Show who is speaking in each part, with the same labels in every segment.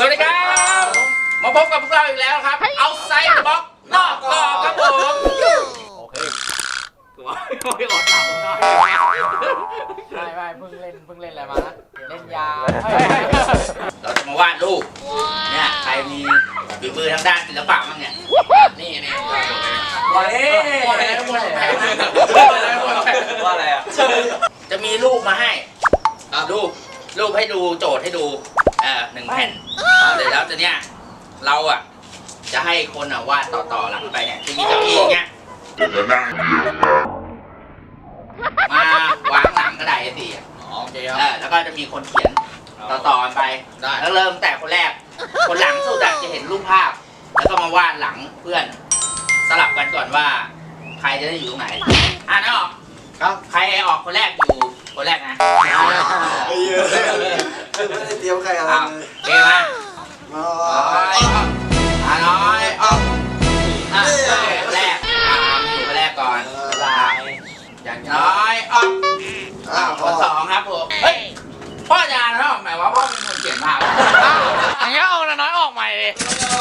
Speaker 1: วัสดีครับมาพบกับพวกเราอีกแล้วครับเอาไซด์บล็อกนอกกรอบครับผมโอเคตัวไม่อดหลับหน่อย
Speaker 2: ไม่เพิ่งเล่นอะไรมานะเล่นยา
Speaker 1: เราจะมาวาดรูปเนี่ยใครมีฝีมือทางด้านศิลปะบ้างเนี่ยนี่ว่าอะไรอ่ะจะมีรูปมาให้รูปให้ดูโจทย์ให้ดู1 แผ่นเดี๋ยวแล้วจะเนี่ยเราอ่ะจะให้คนอ่ะวาดต่อหลังไปเนี่ยจะมีเก้าอี้อย่างเงี้ยมาวางหลังกระดาษ A4 โอเคแล้วก็จะมีคนเขียนต่อกันไปแล้วเริ่มแต่คนแรกคนหลังสุดจะเห็นรูปภาพแล้วก็มาวาดหลังเพื่อนสลับกันก่อนว่าใครจะได้อยู่ตรงไหนอ่านออกครับใครออกคนแรกอยู่คนแรกนะ
Speaker 3: ไม่ได้เตรียมใครอะไรเลย
Speaker 1: เก่งมากน้อยออกคนแรกอยู่คนแรกก่อนอย่างน้อยออกคนสองครับผมเฮ้ยพ่อยาเนาะหมายว่าพ่อเป็นคนเขียนภาพ
Speaker 2: อย่างเงี้ยเอาน้อยออกใหม่เลย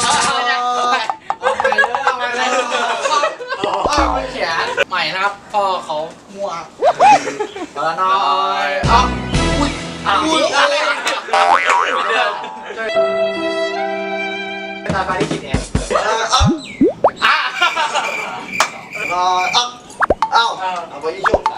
Speaker 2: คนเขียนใหม่นะครับพ่อเขามั่วน้อยออกอะไรตาฟ้าที่คิดเอง
Speaker 3: เอาไปยี่ชุบ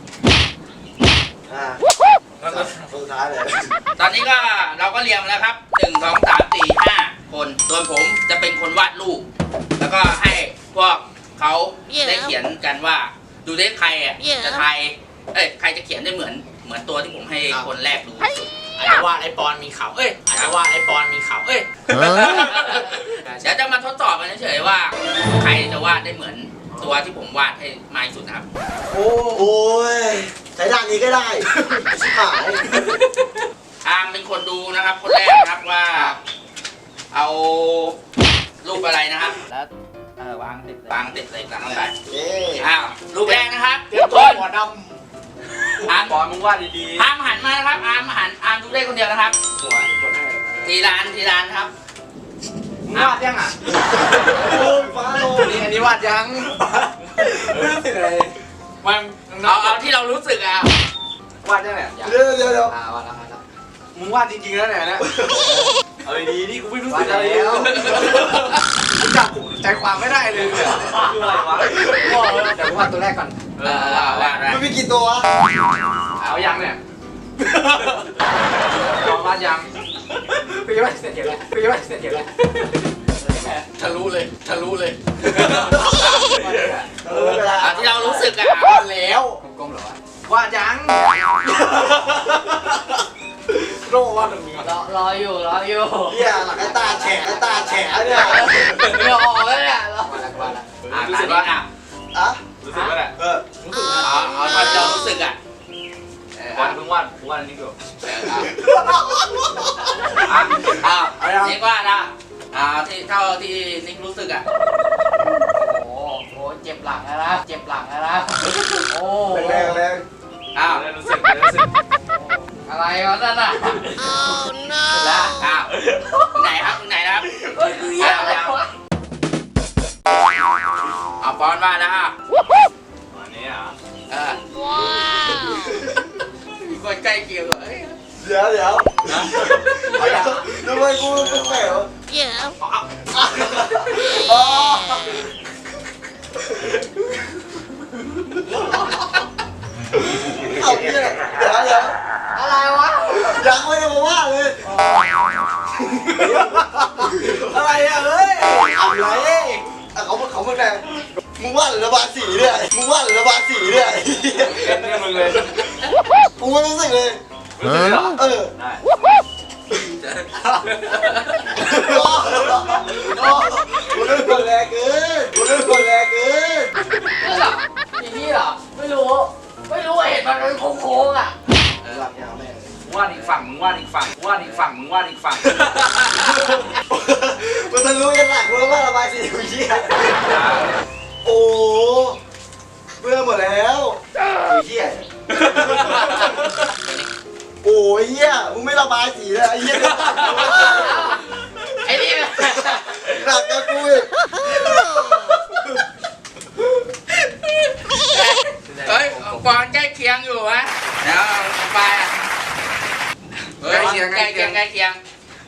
Speaker 3: สุดท้ายเลย
Speaker 1: ตอนนี้ก็เราก็เรียงแล้วครับ1 2 3 4 5คนส่วนผมจะเป็นคนวาดรูปแล้วก็ให้พวกเขาได้เขียนกันว่าดูได้ใครจะทายใครจะเขียนได้เหมือนตัวที่ผมให้คนแรกดู
Speaker 2: อาจจะว่าไอปอนมีเขาอาจจะว่าไอปอนมีเขา
Speaker 1: เดี๋ยวจะมาทดสอบกันเฉยๆว่าใครจะวาดได้เหมือนตัวที่ผมวาดให้มากที่สุดนะครับ
Speaker 3: โอ้ยใช้ด้านนี้ก็ได้ชิบหาย
Speaker 1: อาร์มเป็นคนดูนะครับคนแรกนะครับว่าเอารูปอะไรนะครับ
Speaker 2: แล้ววางติด
Speaker 1: เลยหลังไปรูปแรกนะครับ
Speaker 2: เตรียมตัวหัวดำ
Speaker 1: อาร์ม
Speaker 2: บอลมึงวาดดี
Speaker 1: ๆอาร์มหันมานะครับอาร์มดูได้คนเดียวนะครับทีร้านครับ
Speaker 2: วาดยัง
Speaker 3: ฟ้าโล
Speaker 2: นี่อันนี้วาดยัง
Speaker 3: ไม่รู้สึกอะไร
Speaker 1: มันเอาที่เรารู้สึกอ่ะ
Speaker 2: วาดยังไง
Speaker 3: เดี๋ยว
Speaker 2: วาดแล้วมึงวาดจริงๆแล้วเนี่ยนะ
Speaker 3: เอาดีนี่กูไม่รู้สึกอะไรแล้ว
Speaker 2: จับใจความไม่ได้เลยคืออะไรวะเดี๋ยววาดตัวแรกก่อน
Speaker 3: มันมีกี่ตัว
Speaker 2: เอายังเนี่ยวาดยังพี่ว่าเสร็จแล้วทะลุเลย
Speaker 1: ที่เรารู้สึกอ่ะ
Speaker 2: แล้วกลมๆเหรอวาดยังโลว่าตรงนี้รออยู่
Speaker 3: เนี่ยหลังไอ้ตาแฉะเนี่ย
Speaker 2: ไม่ออกแล้วเนี่ย
Speaker 1: รู้สึกว่า
Speaker 2: รู้สึกว่าแหละ
Speaker 1: เอาตอนเรารู้สึกอ่ะ
Speaker 2: มึงวาดอันนี้ก่อน
Speaker 1: นิกว่านะที่เท่าที่นิกรู้สึกอ่ะ
Speaker 2: โอ้เจ็บหลังแล้วนะโอ้
Speaker 3: แรง
Speaker 2: รู้สึกอะไรวะนั่นน่ะ
Speaker 1: แล้วไหนนะครับเอาปอนมาแล้ว
Speaker 2: อันนี้อ่ะ
Speaker 1: มีคนใกล้เคียงเลย
Speaker 3: เดี๋ยวทำไมกูแปลกเอาเนี่ยเดี๋ยว
Speaker 2: อะไรวะ
Speaker 3: ยังไม่ได้มาว่าเลยอะไรอ่ะเฮ้ยอะไรเขาเป็นไงมึงว่าหรือระบายสีเนี่ยเป็นเนี่ยมึงเลยกูไม่รู้สึกเลยได้กูเล่นคนแรกเกิน
Speaker 2: นี่เหรอไม่รู้เห็นมันเป็นโค้งอ่ะ
Speaker 1: วาดอีกฝั่ง
Speaker 3: มันทะลุยันหลังกูแล้วว่าระบายสีกูเหี้ยโอ้เบื่อหมดแล้วกูเหี้ย โอ้ยเหี้ยมึงไม่ระบายสีเลยไอ้เหี้ย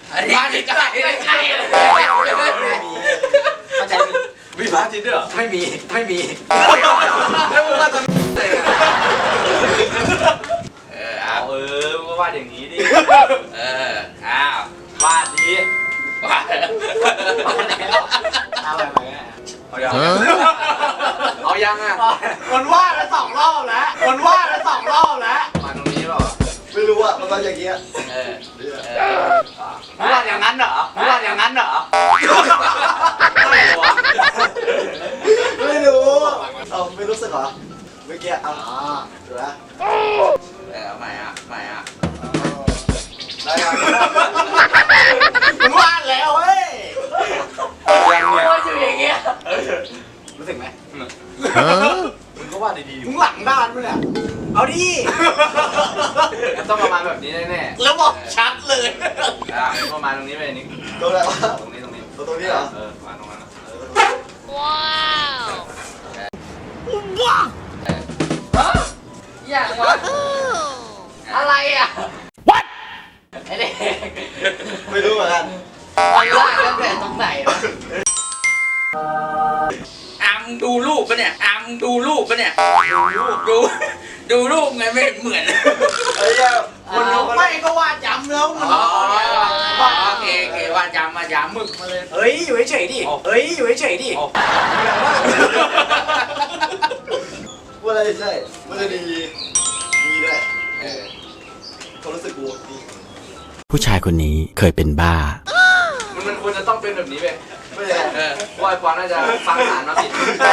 Speaker 1: อันนี้ไม่ใช่ไม่ใช่
Speaker 3: เข้าใจมี
Speaker 2: มีพระอาทิตย์ด้วยเหรอ
Speaker 3: ไม่มี
Speaker 2: แล้วมึงว่าจะอะไรอ่ะ
Speaker 1: เอา
Speaker 2: มึงก็วาดอย่างนี้ดิ
Speaker 1: อ้าว
Speaker 2: วาดดิ
Speaker 1: ว่า
Speaker 3: เอาไปไหม
Speaker 2: เอายังเอายังอ่ะ
Speaker 3: คนว่าแล้ว2 รอบแล้วคนว่าแล้ว2 รอบแล้ว
Speaker 2: มาตรงนี้เปล่า
Speaker 3: ไม่รู้อ่ะมันก็อย่างเงี้ย
Speaker 2: มึงวาดอย่างนั้นเหรอมึงวาดอย่างนั้นเหรอ
Speaker 3: ไม่รู้เอาไม่รู้สึกเหรอเมื่อกี้เอาดูนะ
Speaker 1: ใหม่อ่ะใหม่อ่ะ
Speaker 3: ได้ยังมันวาดแล้วเว้ย
Speaker 2: ยังเนี่ย
Speaker 3: ว่าอยู่อย่างเงี้ยรู้สึกไหมมึงก็วาดดีๆมึงหลังด้านมั้ยเนี่ยเอาดิ
Speaker 2: มันต้องประมาณแบบนี้แน่
Speaker 3: แล้วบอกชัดเลย
Speaker 2: ๆประมาณตรงนี้ไปนี่
Speaker 3: ตรงไหนวะ
Speaker 2: ตรงนี้ตรงนี้
Speaker 3: ตรงนี้เหรอ
Speaker 2: ประมาณตรงนั้นนะ
Speaker 1: อย่างวะอะไรอ่ะ What ไอ้เด็ก
Speaker 3: ไม่รู้เหมือนกัน
Speaker 1: มันลากตั้งแต่ตรงไหนวะอังดูรูปปะเนี่ยอังดูรูปปะเนี่ยดูรูปไงไม่เห็นเหมือน
Speaker 3: ไอ้เหี้ยคนดูไม่ก็วาดย้ำแล้วมัน
Speaker 1: โอเคว่าย้ำมาย้ำมึกมาเลย
Speaker 3: เฮ้ยอยู่เฉยๆดิเฮ้ยอยู่เฉยๆดิว่าอะไรใช่มันจะดีด้วยเขารู้สึกกูดี
Speaker 4: ผู้ชายคนนี้เคยเป็นบ้า
Speaker 2: มันควรจะต้องเป็นแบบนี้ไป
Speaker 3: ไม่ได้
Speaker 2: ว่าไอ้ปอนน่าจะฟังอ่านมาผิด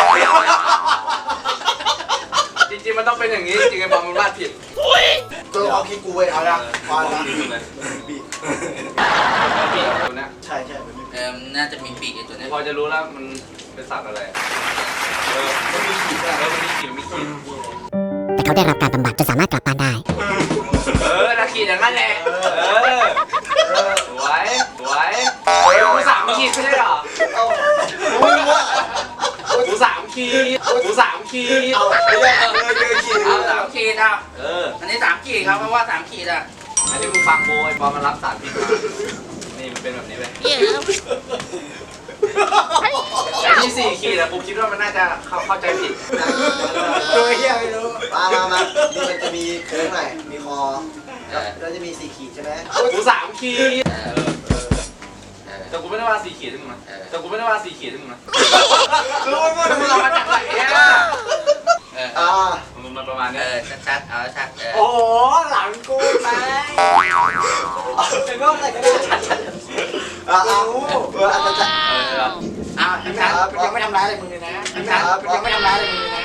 Speaker 2: จริงๆมันต้องเป็นอย่างนี้ จริงๆไอ้ปอนมันวาดผิด
Speaker 3: ตัวเอาคิดกูไปเอาละวาดละบี
Speaker 2: ผิดตัวเนี้ย
Speaker 3: ใช่มันมี
Speaker 1: น่าจะมีปีกไอ้ตัวนี้
Speaker 2: พอจะรู้แล้วมันเป็นสัตว์อะไรมันมีขีดมันมีขีด
Speaker 5: แต่เขาได้รับการบำบัดจนสามารถกลับบ้านได้
Speaker 2: ถ้าขีดอย่างนั้นแหละสวยกู3 ขีดไม่ใช่เหรอ
Speaker 3: เอามึงวะ
Speaker 2: กู3 ขีด
Speaker 3: เอาไม่ได้เลยคิด
Speaker 1: เอา3 ขีดอ่ะ อันนี้3 ขีดครับเพราะว่า3 ขีดอ่ะ
Speaker 2: อันนี้มึงฟังโบไอ้ปอนมันรับสารพิษมานี่มันเป็นแบบนี้ไปไอ้ที่4 ขีดอะกูคิดว่ามันน่าจะเข้าใจผิด
Speaker 3: โดยเฮียไม่รู้มานี่มันจะมีโค้งหน่อยมีคอแล้วจะมี4 ขีดใช่ไหม
Speaker 2: กู3 ขีดแต่กูไม่ได้ว่า4 ขีดให้มึงนะ
Speaker 3: รู้ว่า
Speaker 2: มึงเอามาจากไหนอะ มันประมาณนี้
Speaker 1: ชัดเอาชัด
Speaker 3: โอ้โหหลังกูไปเป็นว่าอะไรก็ได้อาจจะ
Speaker 1: เอาชัด
Speaker 3: ยังไม่ทำร้ายอะไรมึงเลยนะยังไม่ทำร้ายอะไรมึงเลยนะ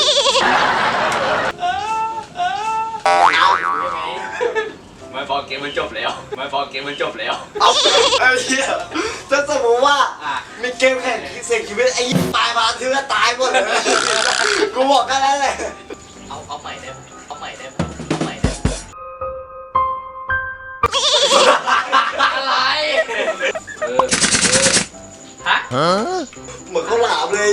Speaker 2: ไม่พอเกมมันจบแล้ว
Speaker 3: เอาไอ้เหี้ยถ้าสมมติว่ามีเกมแข่งเสี่ยงชีวิตไอ้ตายมาถือว่าตายหมดเลยกูบอกแค่นั้นเลย
Speaker 1: เอาใหม่ได้ไหมอะไรฮะ
Speaker 3: เหมือนเขาหลามเลย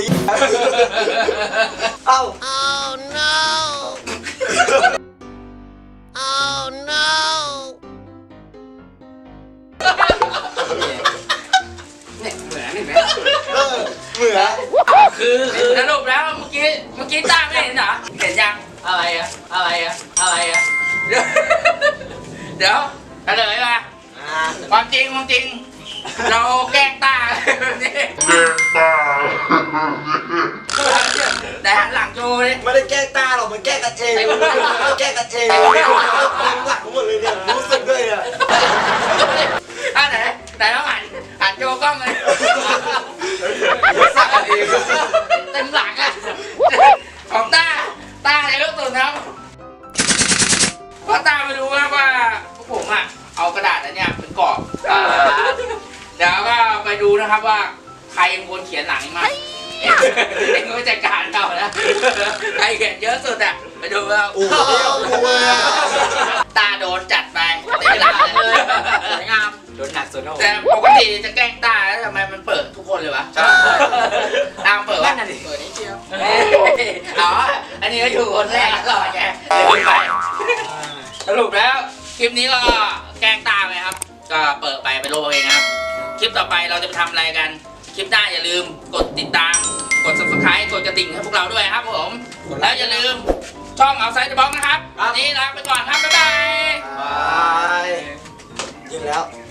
Speaker 3: เอ้า
Speaker 5: Oh no Oh no
Speaker 1: เนี่ยเหมือนเห็นไหม
Speaker 3: เหมือน
Speaker 1: คือสรุปแล้วเมื่อกี้ตั้งไม่เห็นเหรอเห็นยังอะไรอะเดี๋ยวเฉลยมาความจริงเราแกล้งตาแต่หันหลังโชว์เลย
Speaker 3: ไม่ได้แก้ตาหรอกมันแก้กันเองแก้กันเองหลังหมดเลยเนี่ยรู้สึกด้วยเนี่ย
Speaker 1: ไหนต้องหันโชว์กล้องเลย
Speaker 2: สักกันเอง
Speaker 1: เต็มหลังอะของตาในลูกตุ่นครับเพราะตาไม่รู้ว่าพวกผมอะเอากระดาษอันเนี้ยเป็นกรอบเดี๋ยวก็ไปดูนะครับว่าใครเป็นคนเขียนหลังมาเองก็จัดการเรานะใครเขียนเยอะสุดอะไปดูว่า
Speaker 3: โอ้โห
Speaker 1: ตาโดนจัดไปเต็มหลังเลยสวยงาม
Speaker 2: โดนหนักสุดแล้ว
Speaker 1: แต่ปกติจะแกล้งตาแล้วทำไมมันเปิดทุกคนเลยวะตามเปิดวะเปิดนิดเดียวอ๋ออันนี้ก็อยู่คนแรกตลอดไงเลยไปสรุปแล้วคลิปนี้ก็แกล้งตาไปครับก็เปิดไปโลกเองครับคลิปต่อไปเราจะไปทำอะไรกันคลิปหน้าอย่าลืมกดติดตามกด subscribe กดกระดิ่งให้พวกเราด้วยครับผมแล้วอย่าลืมช่องเอาไซด์เดอะบ็อกนะครับวันนี้ลาไปก่อนครับบ๊ายบาย
Speaker 3: บายยิงแล้ว